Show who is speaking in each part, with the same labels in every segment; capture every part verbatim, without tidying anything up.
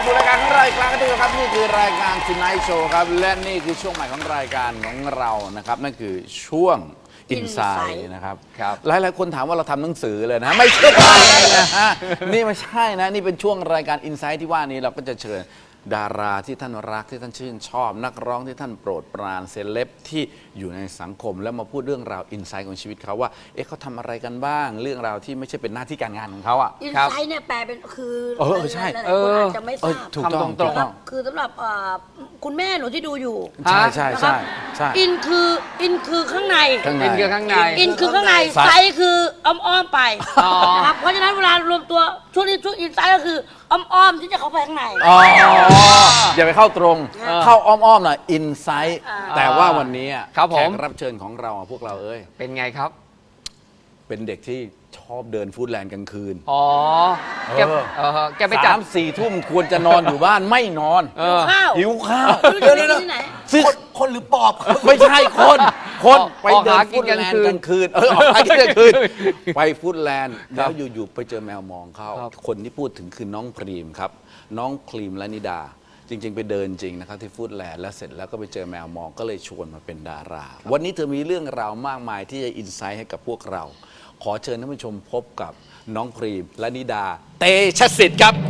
Speaker 1: สู่รายการของเราอีกครั้งนึงครับนี่คือรายการ Tonight Show ครับและนี่คือช่วงใหม่ของรายการของเรานะครับนั่นคือช่วง Inside นะครับหลายหลายคนถามว่าเราทำหนังสือเลยนะไม่ใช่นะฮะนี่ไม่ใช่นะนี่เป็นช่วงรายการ Inside ที่ว่านี้เราก็จะเชิญดาราที่ท่านรักที่ท่านชื่นชอบนักร้องที่ท่านโปรดปรานเซเลบที่อยู่ในสังคมแล้วมาพูดเรื่องราวอินไซต์ของชีวิตเขาว่าเอ๊ะเขาทำอะไรกันบ้างเรื่องราวที่ไม่ใช่เป็นหน้าที่การงานของเขาอ่ะ
Speaker 2: อินไซต์เนี่ยแปลเป็นคือ
Speaker 1: เออใช่
Speaker 2: หลายๆคนอาจจะไม่ทราบ
Speaker 1: ถูกต้องถูกต้อง
Speaker 2: คือสำหรับคุณแม่หนูที่ดูอยู่
Speaker 1: ใช่ใช่ใช่ใช่
Speaker 2: อินคืออินคือข้างใน
Speaker 1: ข้างใน
Speaker 3: อินคือข้างใน
Speaker 2: อินคือข้างในไซต์คืออ้อมๆไปนะครับเพราะฉะนั้นเวลารวมตัวช่วงนี้ช่วงอินไซต์ก็คืออ้อมๆที่จะเข้าไปข้างใน
Speaker 1: อ๋ออย่าไปเข้าตรงเข้าอ้อมๆหน่อยอินไซต์แต่ว่าวันนี้แขกรับเชิญของเราพวกเราเอ้ย
Speaker 3: เป็นไงครับ
Speaker 1: เป็นเด็กที่ชอบเดินฟู้ดแลนด์กลางคืน
Speaker 3: อ๋อแกเออแกไปจั
Speaker 1: สา
Speaker 3: บ
Speaker 1: มสี่ทุ่มควรจะนอนอยู่บ้านไม่นอน
Speaker 3: เออ
Speaker 2: ข้าว
Speaker 1: หิวข้าว
Speaker 2: ไม่รู้จะไปกินที่ไหน
Speaker 1: ซึ่ง
Speaker 4: คนหรือปอบ
Speaker 1: ไม่ใช่คนคน
Speaker 3: ออก
Speaker 1: ไป
Speaker 3: ออก
Speaker 1: เดิ
Speaker 3: หาน กิ
Speaker 1: ฟู้
Speaker 3: น
Speaker 1: ด
Speaker 3: กลาง
Speaker 1: แลน
Speaker 3: คื
Speaker 1: ด์
Speaker 3: น
Speaker 1: กลางคืนเออออกหากินกลางคืนไปฟู้ดแลนด์แล้วอยู่ๆไปเจอแมวมองเขา
Speaker 3: ครับ
Speaker 1: คนที่พูดถึงคือน้องพรีมครับน้องพรีมและนิดา จริง ๆ ไปเดินจริงนะครับที่ฟู้ดแลนด์แล้วเสร็จแล้วก็ไปเจอแมวมองก็เลยชวนมาเป็นดารา วันนี้เธอมีเรื่องราวมากมายที่จะอินไซต์ให้กับพวกเรา ขอเชิญท่านผู้ชมพบกับน้องพรีมและนิดา เตชะสิทธิ์ครับ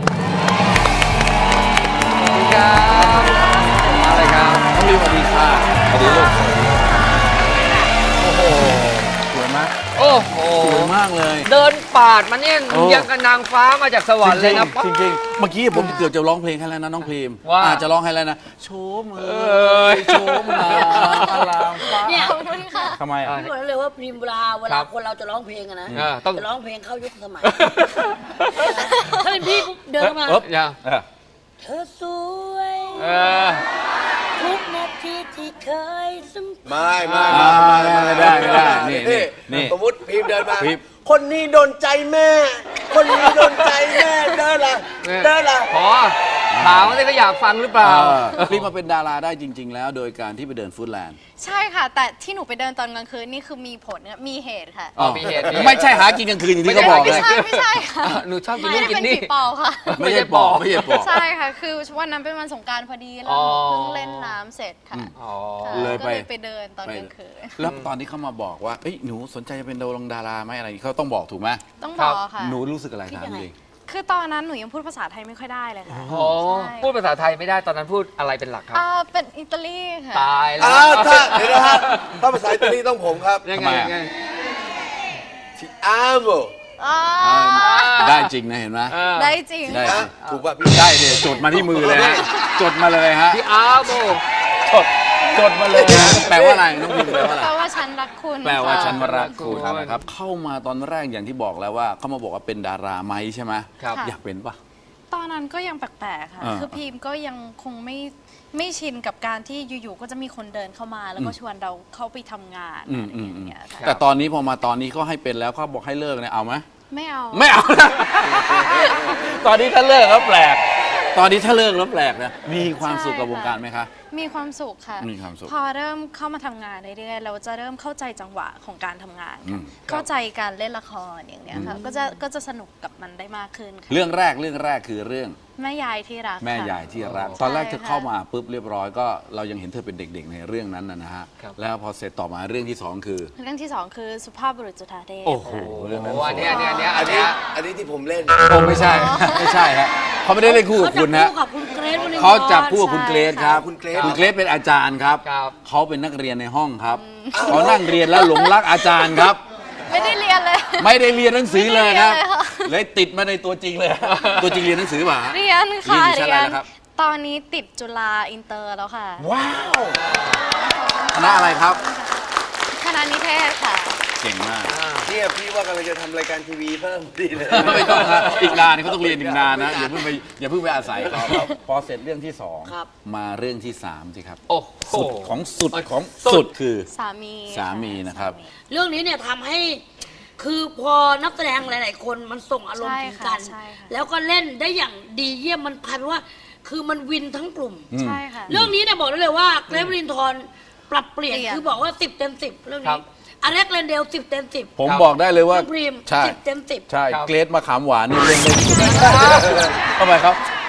Speaker 3: สวัสดีครับอะไรครับ
Speaker 1: น้องพรีมสวัสดีค่ะสวัสดีลูกโอ้โหสวยมาก
Speaker 3: โอ้โห
Speaker 1: สวยมากเลย
Speaker 3: เดินปาดมาเนี่ย
Speaker 1: โอ้
Speaker 3: ยังกับนางฟ้ามาจากสวรรค์เลยนะ
Speaker 1: จริงๆจริงๆเมื่อกี้ผมเกือบจะร้องเพลงให้แล้วนะน้องพรีม
Speaker 3: ว่า
Speaker 1: อาจจะร้องให้แล้วนะโชมเอ้ยโชมงามอลามฟ้า
Speaker 2: เนี่ย
Speaker 1: ทำไมอ่ะ
Speaker 2: พี่บอกเลยว่าพริมเวลาเว
Speaker 3: ครั
Speaker 2: ลา
Speaker 3: บ
Speaker 2: คนเราจะร้องเพลงอะนะ
Speaker 3: เออต้อง
Speaker 2: จะร้องเพลงเข้ายุคสมัย ถ้าเป็นพี่ปุ๊บเดินเข้ามา
Speaker 1: เอ๊บ
Speaker 3: อย่า
Speaker 1: เออ
Speaker 2: เธอสวย
Speaker 3: เออ
Speaker 2: ทุกนาทีที่เคยสัมผัส
Speaker 4: ไม่ไม่
Speaker 1: อ่าไม่ได้ไม่ได้นี่นี่นี่
Speaker 4: สมมติพิมพ์เดินมา
Speaker 1: พิมพ์
Speaker 4: คนนี้โดนใจแม่ คนนี้โดนใจแม่เดินละเดินละ
Speaker 3: พอถามว่าเขาอยากฟังหรือเปล่า
Speaker 1: พรีมมาเป็นดาราได้จริง ๆ แล้วโดยการที่ไปเดินฟู้ดแลนด์
Speaker 5: ใช่ค่ะ แต่ที่หนูไปเดินตอนกลางคืนนี่คือมีผลมีเหตุค่ะ
Speaker 3: อ๋อมีเหตุมีเหตุ
Speaker 1: ไม่ใช่หากินกลางคืนอย่างที่เขาบอก
Speaker 5: ไม่
Speaker 1: เลย
Speaker 5: ใช่ไม่ใช่ค่ะ
Speaker 3: อ่ะหนูชอบกิน
Speaker 5: ไม่
Speaker 3: นู่น
Speaker 5: ได้
Speaker 3: กิ
Speaker 5: เป็น น
Speaker 3: นี่
Speaker 5: ผีปอบค่ะ
Speaker 1: ไม่ใช่ปอบไม่ใช่ปอบ
Speaker 5: ใช่ค่ะ คือวันนั้นเป็นวันสงกรานต์พอดีแล้วหนูเพิ่งเล่นน้ำเสร็จค่ะ
Speaker 3: อ๋อ
Speaker 5: ค่ะ
Speaker 1: เลยไป
Speaker 5: ก็เลยไปเดินตอนกลางคืน
Speaker 1: แล้วตอนที่เขามาบอกว่าเอ้ยหนูสนใจจะเป็นดารงดาราไหมอะไรเขาต้องบอกถูกไหม
Speaker 5: ต้องบอกค่ะ
Speaker 1: หนูรู้สึกอะไรถามจริง
Speaker 5: คือตอนนั้นหนูยังพูดภาษาไทยไม่ค่อยได้เลยค่ะ
Speaker 3: อ๋อ
Speaker 5: ใช่
Speaker 3: พูดภาษาไทยไม่ได้ตอนนั้นพูดอะไรเป็นหลักครับ
Speaker 5: อ่าเป็นอิตาลีค่ะ
Speaker 3: ตายแล้
Speaker 4: อ้าว วถ้าเดี๋ยวนะฮะถ้าภาษาอิตาลีต้องผมครับ
Speaker 3: ยัง
Speaker 1: ทำ
Speaker 3: ไง
Speaker 1: ไมอ่ะ
Speaker 3: ยังไง
Speaker 4: ทิอาโม
Speaker 5: อ่า
Speaker 1: ได้จริงนะเห็นไหม
Speaker 3: เออ
Speaker 5: ได้จริง
Speaker 1: ได้
Speaker 4: นะถูกป่ะพี่
Speaker 1: ได้เดี๋ยวจดมาที่มือเลยฮะจดมาเลยฮะ
Speaker 3: พี่อาโม
Speaker 1: จดจดมาเลยฮะแปลว่าอะไรน้องพิมพ์แปลว่าอะไร
Speaker 5: แปลว่าฉันรักคุณ
Speaker 1: แปลว่า
Speaker 5: ค่ะ
Speaker 1: ฉันรักคุณนะครับเข้ามาตอนแรกอย่างที่บอกแล้วว่าเขามาบอกว่าเป็นดาราไหมใช่ไหม
Speaker 3: ครับ
Speaker 1: อยากเป็นปะ
Speaker 5: ตอนนั้นก็ยังแปลกๆค่ะ
Speaker 1: อ่า
Speaker 5: คือพีมก็ยังคงไม่ไม่ชินกับการที่อยู่ๆก็จะมีคนเดินเข้ามาแล้วก็ชวนเราเข้าไปทำงาน
Speaker 1: อืม
Speaker 5: อะไร
Speaker 1: อื
Speaker 5: อ
Speaker 1: ม
Speaker 5: ย่า
Speaker 1: อื
Speaker 5: ง
Speaker 1: ม
Speaker 5: เงี้ยค่ะ
Speaker 1: แต่ตอนนี้พอมาตอนนี้เขาให้เป็นแล้วเขาบอกให้เลิกเนี่ยเอาไหม
Speaker 5: ไม่เอา
Speaker 1: ไม่เอานะ ตอนนี้ถ้าเลิกแล้วแปลก ตอนนี้ถ้าเลิกแล้วแปลกนะมีความสุขกับวงการไหมคะ
Speaker 5: มีความสุขค่ะ
Speaker 1: มีความสุข
Speaker 5: พอเริ่มเข้ามาทำงานเรื่อยๆเราจะเริ่มเข้าใจจังหวะของการทำงาน
Speaker 1: อื
Speaker 5: ค่ะ
Speaker 1: ม
Speaker 5: เข้าใจการเล่นละครอย่างเนี้ยค่ะก็จะก็จะสนุกกับมันได้มากขึ้นค่ะ
Speaker 1: เรื่องแรกเรื่องแรกคือเรื่อง
Speaker 5: แม่ยายที่รัก
Speaker 1: แม่
Speaker 5: ค่ะ
Speaker 1: ยายที่รัก
Speaker 5: ใช่
Speaker 1: ตอนแรกเธอ
Speaker 5: ค่ะ
Speaker 1: เข้ามาปุ๊บเรียบร้อยก็เรายังเห็นเธอเป็นเด็กๆในเรื่องนั้นนะนะฮะ
Speaker 3: ครับ
Speaker 1: แล้วพอเสร็จต่อมาเรื่องที่สองคือ
Speaker 5: เรื่องที่สองคือสุภาพบุรุษจุฑาเทพ
Speaker 1: โอ้โห
Speaker 5: ค่ะ
Speaker 1: เรื่องนั้น
Speaker 3: โอ้อันเนี้ยอันเนี้ยอันเนี้ย
Speaker 4: อั
Speaker 3: อั
Speaker 4: น
Speaker 3: น
Speaker 4: นี้
Speaker 3: เนี้ย
Speaker 4: อันนี้ที่ผมเล่น
Speaker 1: โอ้ไม่ใช่ ไม่ใช่ฮะเขาไม่ได้เล่นคู่กับคุณนะ
Speaker 2: เขาจับคู่กับคุณเกรซวรินทร์
Speaker 1: เขาจับคู่กับคุณเกรซครับ
Speaker 4: คุณเกรซ
Speaker 1: คุณเกรซเป็นอาจารย์ครับ
Speaker 3: ครับ
Speaker 1: เขาเป็นนักเรียนในห้องครับเขานั่งเรียนแล้วหลงรักอาจารย์ครับ
Speaker 5: ไม่ได้เรียนเลย
Speaker 1: ไม่ได้เรียนหนังสือเลยครับ
Speaker 5: ไม่ได้เรียนเลยค่ะ
Speaker 1: เลยติดมาในตัวจริงเลย ตัวจริงเรียนหนังสือป่ะฮะ
Speaker 5: เรียนค่ะ
Speaker 1: เรียนอยู่ชั้นอะไรนะครับ
Speaker 5: ตอนนี้ติดจุฬาอินเตอร์แล้วค่ะ
Speaker 1: ว้าวคณะอะไรครับ
Speaker 5: คณะนิเทศค่ะ
Speaker 1: เก่งมาก
Speaker 4: เนี่ยพี่ว่ากำลังจะทำรายการทีวีเพิ่มดีเลย
Speaker 1: ไม่ต้องนะอีกนานเขาต้องเรียนอีกนานนะอย่าเพิ่งไปอย่าเพิ่งไปอาศัยเขาพอเสร็จเรื่องที่สองมาเรื่องที่สามสิครับ
Speaker 3: โอ้โห
Speaker 1: สุดของสุดของสุดคือ
Speaker 5: สามี
Speaker 1: สามีนะครับ
Speaker 5: สามี
Speaker 2: เรื่องนี้เนี่ยทำให้คือพอนักแสดงหลาย ๆ คนมันส่งอารมณ์
Speaker 5: ใช่
Speaker 2: ถึง
Speaker 5: ค่ะ
Speaker 2: กัน
Speaker 5: ใช่ค่ะ
Speaker 2: แล้วก็เล่นได้อย่างดีเยี่ยมมันกลายเป็นว่า คือมันวินทั้งกลุ่ม
Speaker 5: ใช่ค่ะ
Speaker 2: เรื่องนี้เนี่ยบอกได้เลยว่าเกรซวรินทร์ปรับเปลี่ยน
Speaker 5: เปลี่ยน
Speaker 2: คือบอกว่าสิบเต็มสิบเรื่อง
Speaker 3: ครั
Speaker 2: นี้
Speaker 3: บ
Speaker 2: อเล็กเรนเดลสิบเต็มสิบ
Speaker 1: ผมบอกได้เลยว่า
Speaker 2: น้องพรีม
Speaker 1: ใช่
Speaker 2: สิบเต็มสิบ
Speaker 1: ใช่
Speaker 3: ครับ
Speaker 1: เกรดมะขามหวานนี่เล่นได้ดีทำไมครับ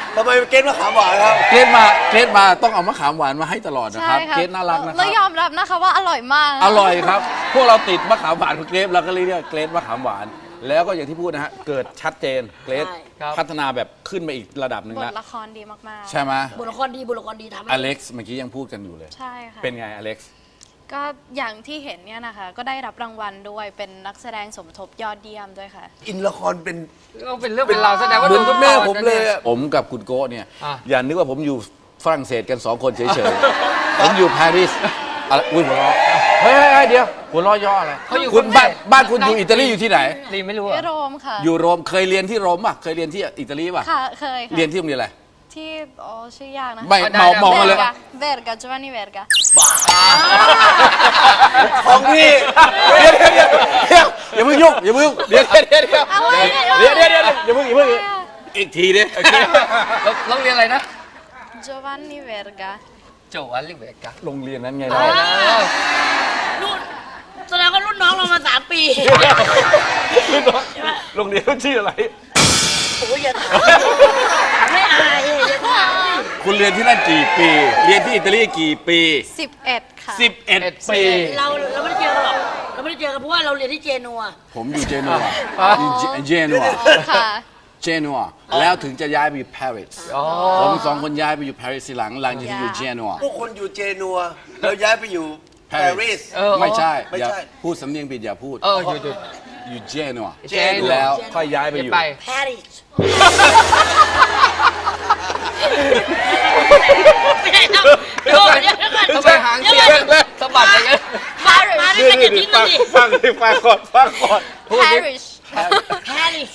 Speaker 4: ทำไมเกณฑ์มะขามหวานครับ
Speaker 1: เกรดมาเกรดมาต้องเอามะขามหวานมาให้ตลอดนะครับ
Speaker 5: ใช่ค่ะ
Speaker 1: เกรดน่ารักนะค
Speaker 5: แล้
Speaker 1: รั
Speaker 5: ว
Speaker 1: บ
Speaker 5: ยอมรับนะคะว่าอร่อยมาก
Speaker 1: อร่อยครับ พวกเราติดมะขามหวานของเกรดเราก็เลยเรียกเกรดมะขามหวาน แล้วก็อย่างที่พูดนะฮะเกิดชัดเจนเกรด
Speaker 2: ใช่
Speaker 3: ครับ
Speaker 1: พัฒนาแบบขึ้นไปอีกระดับหนึ่ง
Speaker 5: บท
Speaker 1: แล้ว
Speaker 5: ละครดีมากๆ
Speaker 1: ใช่ไหม
Speaker 2: บุรครดีบุรครดีทำให้
Speaker 1: อเล็กซ์เมื่อกี้ยังพูดกันอยู่เลย
Speaker 5: ใช่ค่ะ
Speaker 1: เป็นไงอเล็กซ์
Speaker 5: ก็อย่างที่เห็นเนี่ยนะคะ ก็ได้รับรางวัลด้วยเป็นนักแสดงสมทบยอดเยี่ยมด้วยค่ะ
Speaker 4: อินละครเป็น
Speaker 3: ก็เป็นเรื่องเป็นราวแสดงว่า
Speaker 4: เหมือน
Speaker 3: ดูทุก
Speaker 4: แม่
Speaker 3: ตอน
Speaker 4: ผม
Speaker 3: นะ
Speaker 4: เลย
Speaker 3: นี่
Speaker 4: อะ
Speaker 1: ผมกับคุณโก้เนี่ย
Speaker 3: อ่ะ
Speaker 1: อย่านึกว่าผมอยู่ฝรั่งเศสกันสองคนเฉยๆ ผมอยู่ปารีสอะไรอุ้ยหัวเราะเฮ้ยเฮ้ยเดี๋ยวหัวเราะย่ออะไร
Speaker 3: เขาอยู่
Speaker 1: คุณ
Speaker 3: คน
Speaker 1: บ้าน
Speaker 3: แรก
Speaker 1: บ้านคุณอยู่อิตาลีอยู่ที่ไหน
Speaker 3: รีไม่รู้
Speaker 5: ที่
Speaker 3: อะ
Speaker 5: โรมค่ะ
Speaker 1: อยู่โรมเคยเรียนที่โรมป่ะเคยเรียนที่อิตาลีป่ะ
Speaker 5: ค่ะเคยค่ะ
Speaker 1: เรียนที่โรงเรียนอะไร
Speaker 5: ที่อ๋อชื่อยากนะ
Speaker 1: ไม่เมามองมาเลย
Speaker 5: เวร์กาจวานนี่เวร์กา
Speaker 4: ของพี่
Speaker 1: เดี๋ยวเดี๋ยวเดี๋ยวอย่าเพิ่งยุ่งอย่าเพิ่งยุ่งเดี๋ยวเดี๋ยวเดี๋ยวเดี๋ยว
Speaker 5: อะไรเนี่ย
Speaker 1: เดี๋ยวเดี๋ยวเดี๋ยวอย่าเพิ่งอย่าเพิ่งอีกทีดิ
Speaker 3: แล้วโรงเรียนอะไรนะ
Speaker 5: จวานนี่เวร์กา
Speaker 3: โจอันลิเวกะ
Speaker 1: โรงเรียนนั้นไง
Speaker 2: อ่า
Speaker 1: เรา
Speaker 2: รุ่นแสดงว่ารุ่นน้องเรามาสามปี
Speaker 1: โรงเรียนชื่ออะไร
Speaker 2: โอ้ยอย่าถามไม่อายเลยอย่าถาม
Speaker 1: คุณเรียนที่นั่นกี่ปี เรียนที่อิตาลีกี่ปี
Speaker 5: สิบเอ็ดค่ะ
Speaker 1: สิบเอ็ดปี
Speaker 2: เราเราไม่ได้เจอกันหรอกเราไม่ได้เจอกันเพราะว่าเราเรียนที่เจนัว
Speaker 1: ผมอยู่เจนัวอยู่เจเจนัว
Speaker 5: ค่ะ
Speaker 1: เจนัวแล้วถึงจะย้ายไปอยู่ปารีส
Speaker 3: อ๋อ
Speaker 1: ผมสองคนย้ายไปอยู่ปารีสทีหลังหลังจากที่อยู่เจนัว
Speaker 4: พวกคนอยู่เจนัวแล้วย้ายไปอยู่ปารีส
Speaker 3: เออ
Speaker 1: ไม่ใช่
Speaker 4: ไม่
Speaker 1: อย่า
Speaker 4: ใช่
Speaker 1: พูดสำเนียงผิดอย่าพูด
Speaker 3: เออหยุดหยุด
Speaker 1: อยู่เจนัว
Speaker 3: เจนัว
Speaker 1: แล้วค่อยย้ายไป
Speaker 3: เดี๋
Speaker 1: อ
Speaker 3: ยว
Speaker 1: ยู่
Speaker 3: ไป
Speaker 2: ปารีสไม่ได้ครับเดี๋ยวก่อนเดี๋ยวก่อน
Speaker 3: ทำไมหางเสียงสะบัดอย่างนั้น
Speaker 2: มามาด้วยกันอย่าทิ้งมันดิ
Speaker 1: ฟังดิฟังก่อนฟังก่อน
Speaker 5: Parish
Speaker 2: ปารีส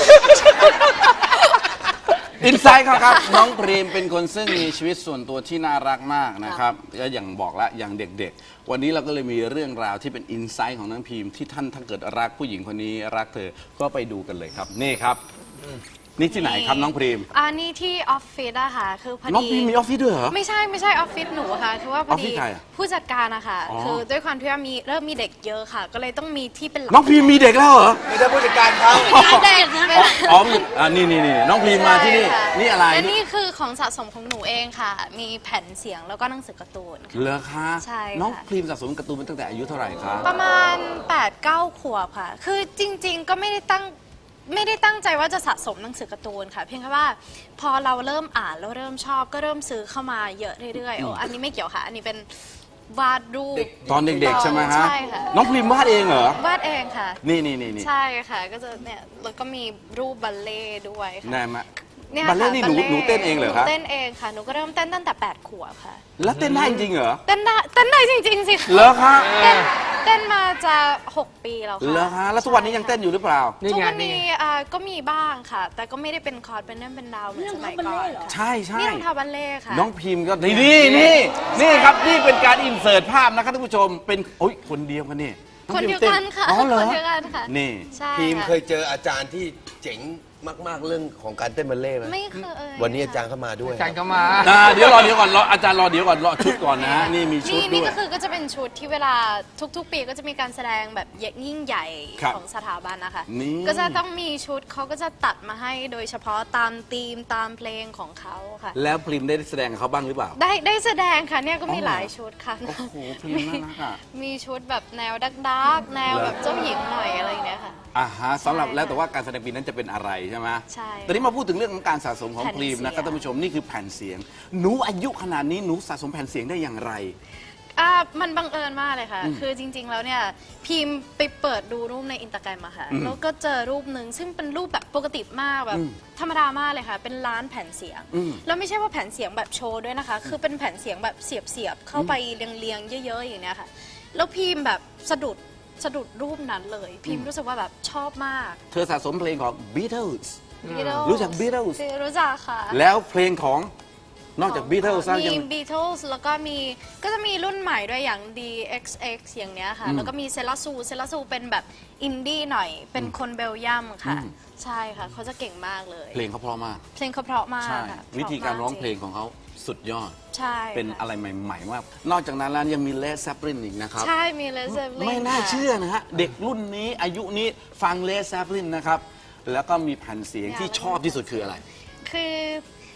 Speaker 1: อินไซด์ครับครับ น้องพรีมเป็นคนซึ่งมีชีวิตส่วนตัวที่น่ารักมากนะครับและอย่างบอกแล้วอย่างเด็กๆ วันนี้เราก็เลยมีเรื่องราวที่เป็นอินไซต์ของน้องพรีมที่ท่านถ้าเกิดรักผู้หญิงคนนี้รักเธอก็ไปดูกันเลยครับ นี่ครับ นี่ที่ไหนครับน้องพรีม
Speaker 5: อันนี้ที่ออฟฟิศอะค่ะ คือพอ
Speaker 1: น้องพ
Speaker 5: ดี
Speaker 1: รีมมีออฟฟิศด้วยเหรอ
Speaker 5: ไม่ใช่ไม่ใช่ออฟฟิศหนูค่ะ คือว่าพอ
Speaker 1: ออฟฟิ
Speaker 5: ดี
Speaker 1: ศใครอะ
Speaker 5: ผู้จัดการอะค่ะ
Speaker 1: อ๋อ
Speaker 5: คือด้วยความที่ว่ามีเริ่มมีเด็กเยอะค่ะ ก็เลยต้องมีที่เป็นหลัก
Speaker 1: น้องพรีมมีเด็กแล้วเหรอ
Speaker 4: ไม่ใช่ผู้จัดการเขา
Speaker 5: เด็กนะ
Speaker 1: อ๋อมีอ่านี่นี่นี่น้องพรีมมาที่นี่
Speaker 5: ใช่ค่ะ
Speaker 1: นี่อะไร
Speaker 5: และนี่คือของสะสมของหนูเองค่ะ มีแผ่นเสียงแล้วก็หนังสือการ์ตูนค่ะ
Speaker 1: เหรอคะ
Speaker 5: ใช่ค่ะ
Speaker 1: น้องพรีมสะสมการ์ตูนมาตั้งแต่อายุเท่าไหร่คะ
Speaker 5: ประมาณแปดเก้าขวบค่ะ คือจริง ๆ ก็ไม่ได้ตั้งไม่ได้ตั้งใจว่าจะสะสมหนังสือการ์ตูนค่ะ เพียงแค่ว่าพอเราเริ่มอ่านแล้วเริ่มชอบก็เริ่มซื้อเข้ามาเยอะเรื่อยๆโอ้อันนี้ไม่เกี่ยวค่ะ อันนี้เป็นวาดรูป
Speaker 1: ตอนเด็กๆใช่ไหมฮะ
Speaker 5: ใช่ค่ะ
Speaker 1: น้องพรีมวาดเองเหรอ
Speaker 5: วาดเองค่ะ
Speaker 1: นี่นี่นี่นี่
Speaker 5: ใช่ค่ะ ก็จะเนี่ยแล้วก็มีรูปบัลเล่ต์ด้วยค่ะ
Speaker 1: ได้ไหม
Speaker 5: เนี่ย
Speaker 1: บัลเล่ต์นี่หนู
Speaker 5: ค่ะ
Speaker 1: หนูเต้นเองเหรอครับ
Speaker 5: นูเต้นเองค่ะ หนูก็เริ่มเต้นตั้งแต่แปดขวบค่ะ
Speaker 1: แล้วเต้นได้จริงเหรอ
Speaker 5: เต้นได้เต้นได้จริงๆสิคะ
Speaker 1: เหรอคะ
Speaker 5: เต้นเต้นมาจะหกปีแล้วค่ะ
Speaker 1: เหรอคะแล้วทุกวันนี้ยังเต้นอยู่หรือเปล่า
Speaker 3: นี่
Speaker 5: ทุก
Speaker 3: ไง
Speaker 5: วัน
Speaker 3: นี่
Speaker 5: นี้
Speaker 3: ไง
Speaker 5: อ่าก็มีบ้างค่ะ แต่ก็ไม่ได้เป็นคอร์สเป็นเรื่องเป็นราวเหมือนสมัยก่อน
Speaker 1: ใช่ใช่
Speaker 5: นี่รองเท้าบัลเล่ต์ค่ะ
Speaker 1: น้องพิมพ์ก็นี่นี่นี่นี่ครับนี่เป็นการอินเสิร์ตภาพนะครับท่านผู้ชมเป็นโอ้ยคนเดียวกันนี่อง
Speaker 5: คน
Speaker 1: พิ
Speaker 5: เดียว
Speaker 1: ต้
Speaker 5: กันค่ะ
Speaker 1: อ๋อเหรอ
Speaker 5: คนเดียวกันค่ะ
Speaker 1: นี่
Speaker 5: ใช่
Speaker 4: พีม
Speaker 5: ค่ะ
Speaker 4: เคยเจออาจารย์ที่เจ๋งมากๆเรื่องของการเต้นบัลเล่ต์ไหม
Speaker 5: ไม่เคย
Speaker 4: วันนี้อาจารย์เข้ามาด้วย
Speaker 3: อาจารย์ก็มา
Speaker 1: อ่าเดี๋ยวรอเดี๋ยวก่อนรออาจารย์รอเดี๋ยวก่อนรอชุดก่อนนะฮะนี่มีชุด
Speaker 5: นี่
Speaker 1: ด้
Speaker 5: นี่
Speaker 1: วย
Speaker 5: ก็คือก็จะเป็นชุดที่เวลาทุกๆ ปีก็จะมีการแสดงแบบยิ่งใหญ่
Speaker 1: ครับ
Speaker 5: ของสถาบันนะคะ
Speaker 1: นี่
Speaker 5: ก็จะต้องมีชุดเขาก็จะตัดมาให้โดยเฉพาะตามธีมตามเพลงของเขาค่ะ
Speaker 1: แล้วพริมได้แสดงกับเขาบ้างหรือเปล่า
Speaker 5: ได้ได้แสดงค่ะเนี่ยก็มี
Speaker 1: อ๋อเหรอ
Speaker 5: หลายชุดค่ะ
Speaker 1: โอ้โหพริมน่ารักอ่ะ
Speaker 5: มีชุดแบบแนวดักดักแนวแบบเจ้าหญิงหน่อยอะไรอย่างเงี้ยค่ะ
Speaker 1: อ่าฮะสำหรับ
Speaker 5: ใช่
Speaker 1: แล้วแต่ว่าการแสดงปีนั้นจะเป็นอะไรใช่ไหม
Speaker 5: ใช่
Speaker 1: ตอนนี้มาพูดถึงเรื่องของการสะสมของ
Speaker 5: แผ่น
Speaker 1: พริมนะครับ
Speaker 5: เสียง
Speaker 1: ท่านผู้ชมนี่คือแผ่นเสียง หนูอายุขนาดนี้หนูสะสมแผ่นเสียงได้อย่างไร
Speaker 5: อ่ามันบังเอิญมากเลยค่ะ คือจริง ๆ แล้วเนี่ยพิมพ์ไปเปิดดูรูปในอินสตาแกรมอะค่ะ
Speaker 1: อืม
Speaker 5: แล้วก็เจอรูปหนึ่งซึ่งเป็นรูปแบบปกติมากแบบ
Speaker 1: อืม
Speaker 5: ธรรมดามากเลยค่ะ เป็นร้านแผ่นเสียง
Speaker 1: อืม
Speaker 5: แล้วไม่ใช่ว่าแผ่นเสียงแบบโชว์ด้วยนะคะ คือเป็นแผ่นเสียงแบบเสียบๆเข้าไปเรียงๆเยอะๆอย่างเนี้ยค่ะ แล้วพิมพ์แบบสะดุดสะดุดรูปนั้นเลย พิมพ์รู้สึกว่าแบบชอบมาก
Speaker 1: เธอสะสมเพลงของ Beatles
Speaker 5: Beatles
Speaker 1: รู้จัก Beatles
Speaker 5: รู้จักค่ะ
Speaker 1: แล้วเพลงของนอกจาก Beatles แล้ว
Speaker 5: มี
Speaker 1: ยัง
Speaker 5: Beatles แล้วก็มีก็จะมีรุ่นใหม่ด้วยอย่าง ดี เอ็กซ์ เอ็กซ์ อย่างเนี้ยค่ะ
Speaker 1: อืม
Speaker 5: แล้วก็มีเซลาซูเซลาซูเป็นแบบอินดี้หน่อย เป็นคนเบลเยียมค่ะ
Speaker 1: อืม
Speaker 5: ใช่ค่ะ เขาจะเก่งมากเลย
Speaker 1: เพลงเขาเพราะมาก
Speaker 5: เพลงเขาเพราะมาก
Speaker 1: ใช่
Speaker 5: ค่ะ
Speaker 1: วิธีการร้อง
Speaker 5: พะม
Speaker 1: เพลงของเขาสุดยอด
Speaker 5: ใช่
Speaker 1: เป็น
Speaker 5: ค่
Speaker 1: อะไรใหม่ๆมากนอกจากนั้นแล้วยังมีเลสแซปลินอีกนะครับ
Speaker 5: ใช่มีเลเซอร์ลิง
Speaker 1: ไม่น่าเชื่อนะฮะ เด็กรุ่นนี้อายุนี้ฟังเลสแซปลินนะครับ แล้วก็มีแผ่นเสียงที่ชอบที่สุดคืออะไร
Speaker 5: คือ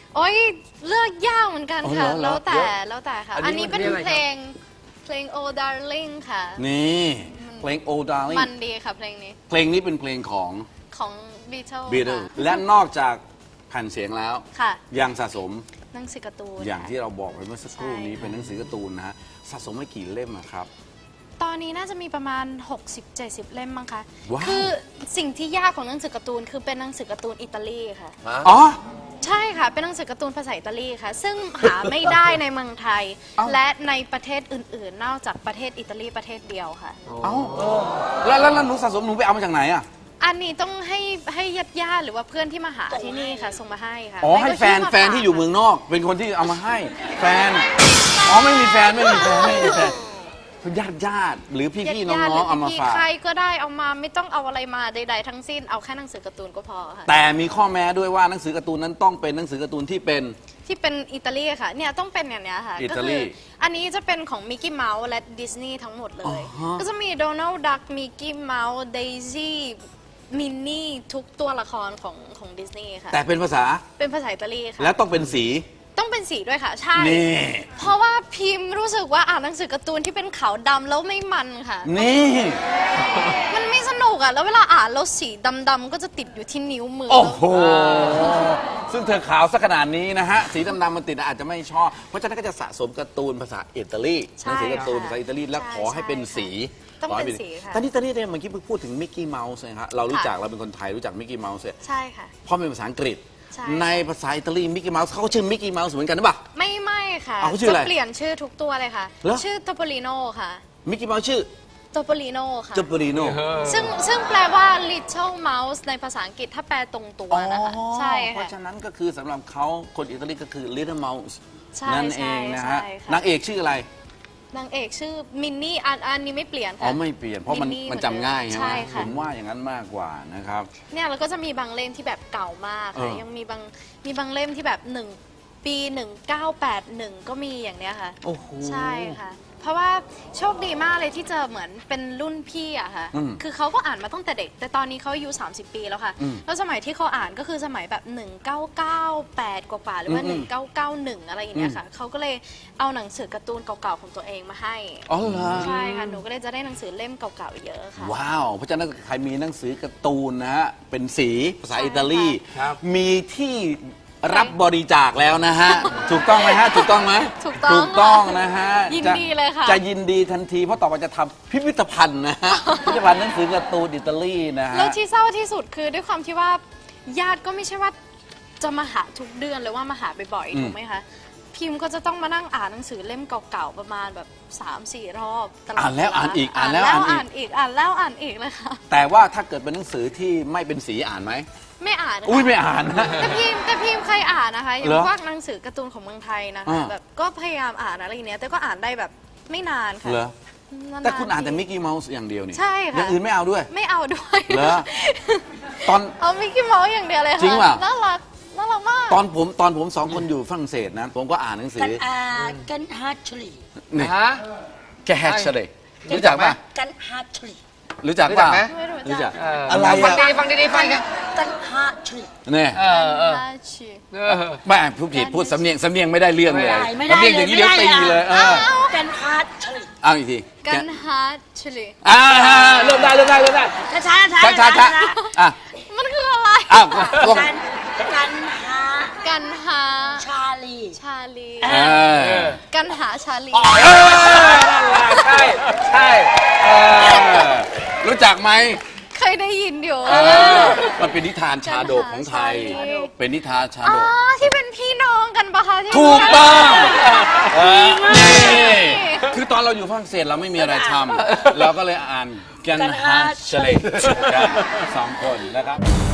Speaker 5: โอ้ยเลือกยากเหมือนกัน
Speaker 1: อ๋อ
Speaker 5: ค่ะ
Speaker 1: เหรอ
Speaker 5: แล้วแต่
Speaker 1: เยอะ
Speaker 5: แล้วแต่ค่ะ
Speaker 1: อันนี้
Speaker 5: อันนี้เป็น
Speaker 3: มันเรียกอะไร
Speaker 5: เพลงเพลง Oh Darling ค่ะ
Speaker 1: นี่เพลง Oh Darling
Speaker 5: มันดีค่ะเพลงนี้
Speaker 1: เพลงนี้เป็นเพลงของ
Speaker 5: ของ Beatles
Speaker 1: Beatles
Speaker 5: ค่ะ
Speaker 1: และนอกจากแผ่นเสียงแล้ว
Speaker 5: ค่ะ
Speaker 1: ยังสะสม
Speaker 5: หนังสือการ์ตูน
Speaker 1: อย่าง
Speaker 5: ค่ะ
Speaker 1: ที่เราบอกไปเมื่อสักครู่นี้
Speaker 5: ใช่ค่ะ
Speaker 1: เป็นหนังสือการ์ตูนนะฮะสะสมไว้กี่เล่มอะครับ
Speaker 5: ตอนนี้น่าจะมีประมาณ หกสิบเจ็ดสิบ เล่มมั้งคะ
Speaker 1: ว้าว
Speaker 5: คือสิ่งที่ยากของหนังสือการ์ตูนคือเป็นหนังสือการ์ตูนอิตาลีค่ะ
Speaker 1: อ๋อ
Speaker 5: ใช่ค่ะ เป็นหนังสือการ์ตูนภาษาอิตาลีค่ะ ซึ่งหาไม่ได้ในเมืองไทย
Speaker 1: เอ้า
Speaker 5: และในประเทศอื่นๆ นอกจากประเทศอิตาลีประเทศเดียวค่ะ
Speaker 1: เอ้าแล้วแล้วแล้วหนูสะสมหนูไปเอามาจากไหนอะ
Speaker 5: อันนี้ต้องให้ให้ญาติญาติๆหรือว่าเพื่อนที่มาหาที่นี่ค่ะ ส่งมาให้ค่ะ
Speaker 1: อ๋อ
Speaker 5: ไม่
Speaker 1: ให้
Speaker 5: ก็
Speaker 1: แฟน
Speaker 5: ชื่มา
Speaker 1: แฟนที่อยู่เมืองนอก เป็นคนที่เอามาให้แฟนอ๋อไม่มีแฟนไม่มีแฟนไม่มีแฟนเป็นญาติญาติหรือพี่
Speaker 5: ญา
Speaker 1: พี่
Speaker 5: ติ
Speaker 1: น้
Speaker 5: ญาติห
Speaker 1: อ
Speaker 5: รื
Speaker 1: งๆเอามา
Speaker 5: พี่
Speaker 1: ฝาก
Speaker 5: ใครก็ได้เอามาไม่ต้องเอาอะไรมาใดๆทั้งสิ้นเอาแค่หนังสือการ์ตูนก็พอค่ะ
Speaker 1: แต่มีข้อแม้ด้วยว่าหนังสือการ์ตูนนั้นต้องเป็นหนังสือการ์ตูนที่เป็น
Speaker 5: ที่เป็นอิตาลีค่ะ เนี่ยต้องเป็นอย่างเนี้ยค่ะ
Speaker 1: อิ
Speaker 5: ก็
Speaker 1: ตาลี
Speaker 5: คืออันนี้จะเป็นของมิกกี้เมาส์และดิสนีย์ทั้งหมดเลย
Speaker 1: อ๋อฮะ
Speaker 5: ก็จะมีโดนัลด์ดักมิกกี้เมาส์เดซี่มินนี่ทุกตัวละครของของดิสนีย์ค่ะ
Speaker 1: แต่เป็นภาษา
Speaker 5: เป็นภาษาอิตาลีค่ะ
Speaker 1: และต้องเป็นสี
Speaker 5: ต้องเป็นสีด้วยค่ะ ใช่
Speaker 1: นี่
Speaker 5: เพราะว่าพิมพ์รู้สึกว่าอ่านหนังสือการ์ตูนที่เป็นขาวดำแล้วไม่มันค่ะ
Speaker 1: นี่
Speaker 5: มันไม่สนุกอ่ะ แล้วเวลาอ่านแล้วสีดำๆก็จะติดอยู่ที่นิ้วมือ
Speaker 1: โอ้โห ซึ่งเธอขาวสักขนาดนี้นะฮะ สีดำๆมันติดอาจจะไม่ชอบ เพราะฉะนั้นก็จะสะสมการ์ตูนภาษาอิตาลีหนังสือการ์ตูนภาษาอิตาลีแล้วขอให้เป็นสี
Speaker 5: ต้อง
Speaker 1: ขให้
Speaker 5: เป็นสีค่ะ
Speaker 1: ตอนนี้ตอนนี้เนี่ยเมื่อกี้พูดถึงมิกกี้เมาส์นะฮะเรารู้จักเราเป็นคนไทยรู้จักมิกกี้เมาส์เนี่ย
Speaker 5: ใช่ค่ะ
Speaker 1: เพราะเป็นภาษาอังกฤษ
Speaker 5: ใช่
Speaker 1: ในภาษาอิตาลีมิกกี้เมาส์เขาก็ชื่อมิกกี้เมาส์เหมือนกันหรือเปล่า
Speaker 5: ไม่ไม่ค่ะ
Speaker 1: อ้าวเขาชื่ออะไร
Speaker 5: จะเปลี่ยนชื่อทุกตัวเลยค่ะ
Speaker 1: เหรอ
Speaker 5: ชื่อโตโปลิโนค่ะ
Speaker 1: มิกกี้เมาส์ชื่อ
Speaker 5: โตโปลิโนค่ะ
Speaker 1: จูปริโน
Speaker 5: ซึ่งซึ่งแปลว่า little mouse ในภาษาอังกฤษถ้าแปลตรงตัวนะคะ ใช่
Speaker 1: เพ
Speaker 5: ค่ะ
Speaker 1: ราะฉะนั้นก็คือสำหรับเขาคนอิตาลีก็คือ Little Mouse
Speaker 5: ใช่
Speaker 1: นั่นเองนะฮะ
Speaker 5: ใช่ค่ะ
Speaker 1: นางเอกชื่ออะไร
Speaker 5: นางเอกชื่อมินนี่อันอันนี้ไม่เปลี่ยน
Speaker 1: อ๋อ
Speaker 5: ค่ะ
Speaker 1: ไม่เปลี่ยนเพราะมัน
Speaker 5: มินนี่
Speaker 1: มันจำง่ายใช่ไหม
Speaker 5: ใช่ค่ะ
Speaker 1: ผมว่าอย่างนั้นมากกว่านะครับ
Speaker 5: เนี่ยแล้วก็จะมีบางเล่มที่แบบเก่ามากค่ะ
Speaker 1: เออ
Speaker 5: ยังมีบางมีบางเล่มที่แบบหนึ่งปีหนึ่งเก้าแปดหนึ่งก็มีอย่างเนี้ยค่ะ
Speaker 1: โอ้โห
Speaker 5: ใช่ค่ะ เพราะว่าโชคดีมากเลยที่เจอเหมือนเป็นรุ่นพี่อะค่ะ
Speaker 1: อืม
Speaker 5: คือเขาก็อ่านมาตั้งแต่เด็ก แต่ตอนนี้เขาอายุ30 ปีแล้วค่ะ
Speaker 1: อืม
Speaker 5: แล้วสมัยที่เขาอ่านก็คือสมัยแบบ หนึ่งเก้าเก้าแปด กว่าๆหรือว่า
Speaker 1: อืม
Speaker 5: หนึ่งเก้าเก้าหนึ่ง อะไรอย่างเงี้ยค่ะ เขาก็เลยเอาหนังสือการ์ตูนเก่าๆของตัวเองมาให้
Speaker 1: อ๋อเหรอ
Speaker 5: ใช่ค่ะ หนูก็เลยจะได้หนังสือเล่มเก่าๆเยอะค่ะ
Speaker 1: ว้าว เพราะฉะนั้นใครมีหนังสือการ์ตูนนะฮะ เป็นสีภาษา
Speaker 5: ใช่
Speaker 1: อิตาลี
Speaker 3: ครับ
Speaker 1: มีที่รับบริจาคแล้วนะฮะ ถูกต้องไหมฮะ ถูกต้องไหม
Speaker 5: ถูกต้อง
Speaker 1: ถูกต้องนะฮะ
Speaker 5: ยิน
Speaker 1: จะ
Speaker 5: ดีเลยค่ะ
Speaker 1: จะยินดีทันที เพราะต่อไปจะทำพิพิธภัณฑ์นะฮะ พิพิธภัณฑ์หนังสือการ์ตูนอิตาลีนะฮะ
Speaker 5: แล้วที่เศร้าที่สุดคือด้วยความที่ว่าญาติก็ไม่ใช่ว่าจะมาหาทุกเดือนหรือว่ามาหาบ่อย
Speaker 1: อืม
Speaker 5: ๆถูกไหมคะ พิมพ์ก็จะต้องมานั่งอ่านหนังสือเล่มเก่าๆประมาณแบบสามสี่รอบตลอด
Speaker 1: อ่านแล้ว
Speaker 5: เา
Speaker 1: อ่านอีกอ่านแล้ว
Speaker 5: อ่า
Speaker 1: อ่าน
Speaker 5: น
Speaker 1: อีก
Speaker 5: อีกอ่านแล้วอ่านอีกเลยค่ะ
Speaker 1: แต่ว่าถ้าเกิดเป็นหนังสือที่ไม่เป็นสีอ่านไหม
Speaker 5: ไม่อ่านค่ะ
Speaker 1: อุ้ยไม่อ่านนะ
Speaker 5: แต่พิมพ์แต่พิมพ์เคยอ่านนะคะอย่าง
Speaker 1: เหรอ
Speaker 5: พวกหนังสือการ์ตูนของเมืองไทยนะคะ
Speaker 1: อ่า
Speaker 5: แบบก็พยายามอ่านอะไรอย่างเนี้ยแต่ก็อ่านได้แบบไม่นานค่ะ
Speaker 1: เหรอ
Speaker 5: นๆ
Speaker 1: แต่คุณอ่านแต่
Speaker 5: ที
Speaker 1: มิกกี้เมาส์อย่างเดียวนี่
Speaker 5: ใช่ค่ะ
Speaker 1: อย่างอื่นไม่เอาด้วย
Speaker 5: ไม่เอาด้วย
Speaker 1: เหรอ ตอน
Speaker 5: เอามิกกี้เมาส์อย่างเดียวเลยค่ะ
Speaker 1: จริงป่ะ
Speaker 5: น่ารักน่ารักมาก
Speaker 1: ตอนผมตอนผมสองคนอยู่ฝรั่งเศสนะ ผมก็อ่านหนังสื
Speaker 2: กัน
Speaker 1: อ
Speaker 2: อากันฮาร์ทรี
Speaker 1: นี่
Speaker 3: ฮะ
Speaker 1: แกแฮชเลยรู้จักป่ะ
Speaker 2: กันฮาร์ทรี
Speaker 1: รู้จัก
Speaker 3: รู้จั
Speaker 1: ป่ะ
Speaker 3: กไหม
Speaker 5: ไม่รู้จัก
Speaker 1: รู้จัก
Speaker 3: เออ
Speaker 1: อะไร
Speaker 3: ฟัง
Speaker 1: อะ
Speaker 3: ดีฟังดีๆฟังกัน
Speaker 2: กันฮาร์ทรี
Speaker 1: เนี่ย
Speaker 3: เออเออ
Speaker 5: น่าชี
Speaker 3: เออ
Speaker 1: แม่พูดผิดพูดสำเนียงสำเนียงไม่ได้เรื่องเลย
Speaker 2: ไม่ได้
Speaker 1: สำเนียงอย่างนี้เดี๋ยวตีเลยเออ
Speaker 2: กันฮาร์ทรี
Speaker 1: เอาอีกที
Speaker 5: กันฮาร์ชลี
Speaker 1: อ่าเริ่มได้เริ่มได้เริ่มได้
Speaker 2: ช้าช้าช้า
Speaker 1: ช้าช้าช้าอ่ะ
Speaker 5: มันคืออะไร
Speaker 1: อ้าวลง
Speaker 2: กันกันฮา
Speaker 5: กันหา
Speaker 2: ชาลี
Speaker 5: ชาลี
Speaker 1: เออ
Speaker 5: กันหาชาลี
Speaker 1: เออนั่นแหละใช่ใช่เออรู้จักไหม
Speaker 5: เคยได้ยินอยู่
Speaker 1: เออมันเป็นนิทานชาดกของไทย เป็นนิทานชา
Speaker 5: อ๋
Speaker 1: ด
Speaker 5: อก ที่เป็นพี่น้องกันปะคะที่
Speaker 1: ถูกต้องเออนี่คือตอนเราอยู่ฝรั่งเศสเราไม่มีอะไรทำเราก็เลยอ่านกันฮาเชเลกันสองคนนะครับ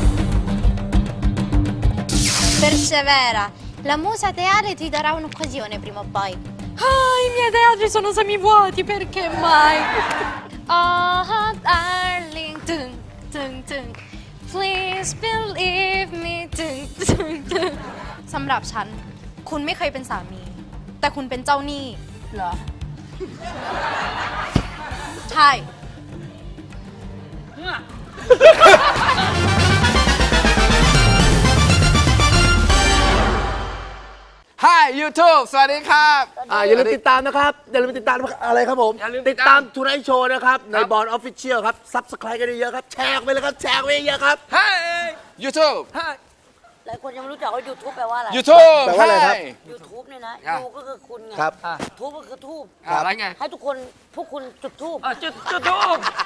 Speaker 5: Persevera la musa teale ti darà un'occasione prima o poi ah i miei teatri sono semivuoti perché mai oh darling dun dun dun please believe me dun dun dun สำหรับฉันคุณไม่เคยเป็นสามี แต่คุณเป็นเจ้าหนี้
Speaker 2: เหรอ
Speaker 5: ใช่
Speaker 1: เ YouTube สวัสดีครับ
Speaker 4: อ่าอย่าลืมติดตามนะครับ อย่าลืมติดตามอะไรครับผม
Speaker 3: อย่าลืมติ
Speaker 4: ติ
Speaker 3: ด
Speaker 4: ด
Speaker 3: ตา
Speaker 4: ตาม มทูไนท์โชว์นะครับ ในบอลออฟฟิเชียลครับซับสไครต์กันเยอะๆครับ แชร์ไปเลยครับ แชร์ไปเยอะๆครับ
Speaker 3: เฮ้ย
Speaker 1: YouTube
Speaker 2: หลายคนยังไม่รู้จักว่า YouTube แปลว่าอะไร
Speaker 1: YouTube
Speaker 4: แปลว่าอะไรครับ
Speaker 2: YouTube เนี่ยนะ
Speaker 3: ครับ
Speaker 2: ยูก็คือคุณไง
Speaker 4: ครับ
Speaker 2: ทูบก็คือทูบ
Speaker 3: อะไรไง
Speaker 2: ให้ทุกคนพวกคุณจุดทูบ
Speaker 3: อ่ะจุดจุดทูบ